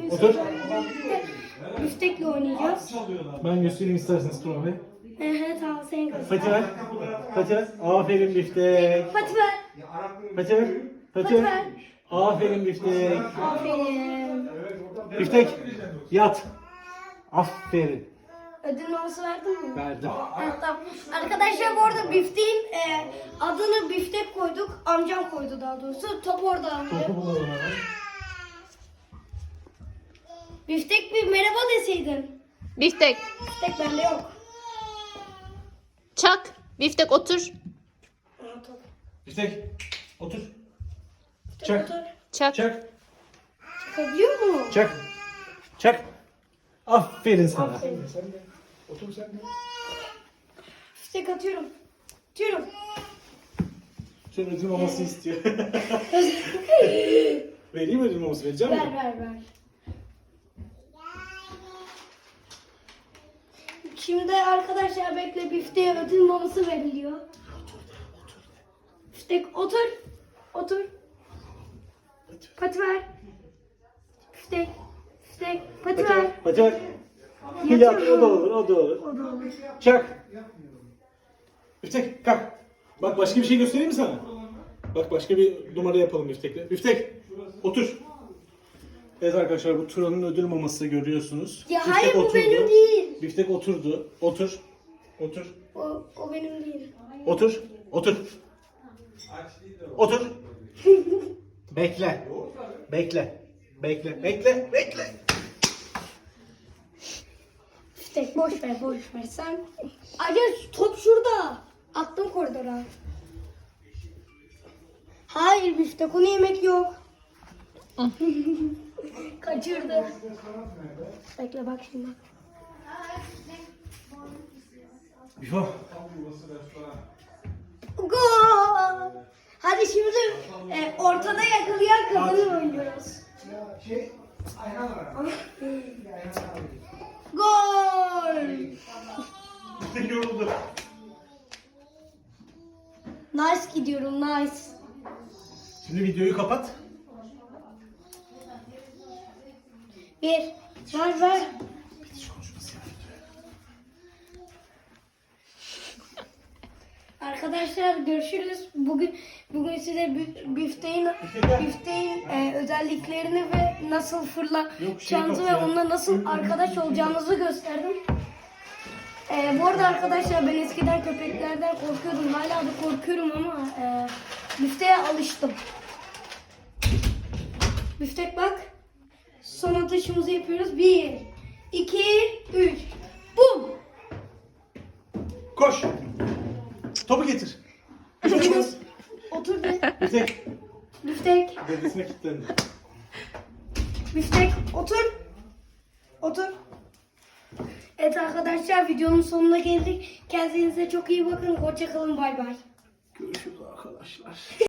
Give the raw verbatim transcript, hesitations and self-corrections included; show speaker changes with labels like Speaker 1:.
Speaker 1: Otur.
Speaker 2: Biftekle oynayacağız.
Speaker 1: Ben göstereyim isterseniz Tuna Bey.
Speaker 2: Ehe tamam sen göster.
Speaker 1: Pati ver. Pati ver. Aferin biftek.
Speaker 2: Pati ver.
Speaker 1: Pati ver. Pati
Speaker 2: Pati ver.
Speaker 1: ver. Aferin biftek.
Speaker 2: Aferin.
Speaker 1: Biftek. Yat. Aferin.
Speaker 2: Ödül maması verdin mi?
Speaker 1: Verdim.
Speaker 2: Evet, tamam. Arkadaşlar bu arada bifteğin e, adını biftek koyduk. Amcam koydu daha doğrusu. Top orada aldı.
Speaker 1: Topu bulalım hemen.
Speaker 2: Biftek bir merhaba deseydin.
Speaker 3: Biftek.
Speaker 2: Biftek bende yok.
Speaker 3: Çak. Biftek otur.
Speaker 2: Aa, top.
Speaker 1: Biftek. Otur.
Speaker 2: Biftek
Speaker 1: Çak.
Speaker 2: otur.
Speaker 3: Çak.
Speaker 1: Çak.
Speaker 2: Çıkabiliyor mu?
Speaker 1: Çak. Çak. Aferin sana.
Speaker 2: Aferin.
Speaker 1: Otur sen de.
Speaker 2: Biftek atıyorum. Atıyorum.
Speaker 1: Şöyle ödül maması istiyor. Vereyim mi ödül maması? Vereceğim
Speaker 2: Ver
Speaker 1: mi?
Speaker 2: ver ver. Şimdi arkadaşlar bekle, bifteğe ödül maması veriliyor. Biftek otur. Otur. Pati ver. Biftek. Biftek. Pati
Speaker 1: Pati
Speaker 2: ver.
Speaker 1: ver. Pati ver. Yat, o da olur, o da olur.
Speaker 2: O da olur.
Speaker 1: Çak. Biftek kalk. Bak başka bir şey göstereyim mi sana? Bak başka bir numara yapalım Biftek'le. Biftek otur. Evet arkadaşlar bu Turan'ın ödül maması görüyorsunuz.
Speaker 2: Ya
Speaker 1: Biftek
Speaker 2: hayır, bu
Speaker 1: oturdu.
Speaker 2: benim değil.
Speaker 1: Biftek oturdu. Otur. Otur.
Speaker 2: O, o benim değil.
Speaker 1: Otur. Otur. Otur. Bekle. Bekle. Bekle. Bekle. Bekle.
Speaker 2: Biftek boş ver, boş ver sen. Acaba top şurada. Attım koridora. Hayır biftek, onu yemek yok. Kaçırdı. Bekle bak şimdi.
Speaker 1: Bifo.
Speaker 2: Gol! Hadi şimdi e, ortada yakalayan kazanır oynuyoruz. Gol!
Speaker 1: Biftek yoruldu.
Speaker 2: Nice gidiyorum, nice.
Speaker 1: Şimdi videoyu kapat.
Speaker 2: Bir, ver ver. Arkadaşlar görüşürüz. Bugün bugün size bif- bifteğin bifteğin e, özelliklerini ve nasıl fırlayacağınızı ve onunla nasıl arkadaş olacağınızı gösterdim. E, bu arada arkadaşlar ben eskiden köpeklerden korkuyordum. Hala da korkuyorum ama e, bifteğe alıştım. Biftek bak. Son atışımızı yapıyoruz. Bir, iki, üç. Bum!
Speaker 1: Koş. Topu getir.
Speaker 2: Otur be.
Speaker 1: Biftek.
Speaker 2: Biftek.
Speaker 1: Dedesine kilitlendi.
Speaker 2: Biftek. Otur. Otur. Evet arkadaşlar videonun sonuna geldik. Kendinize çok iyi bakın. Hoşça kalın. Bay bay.
Speaker 1: Görüşürüz arkadaşlar.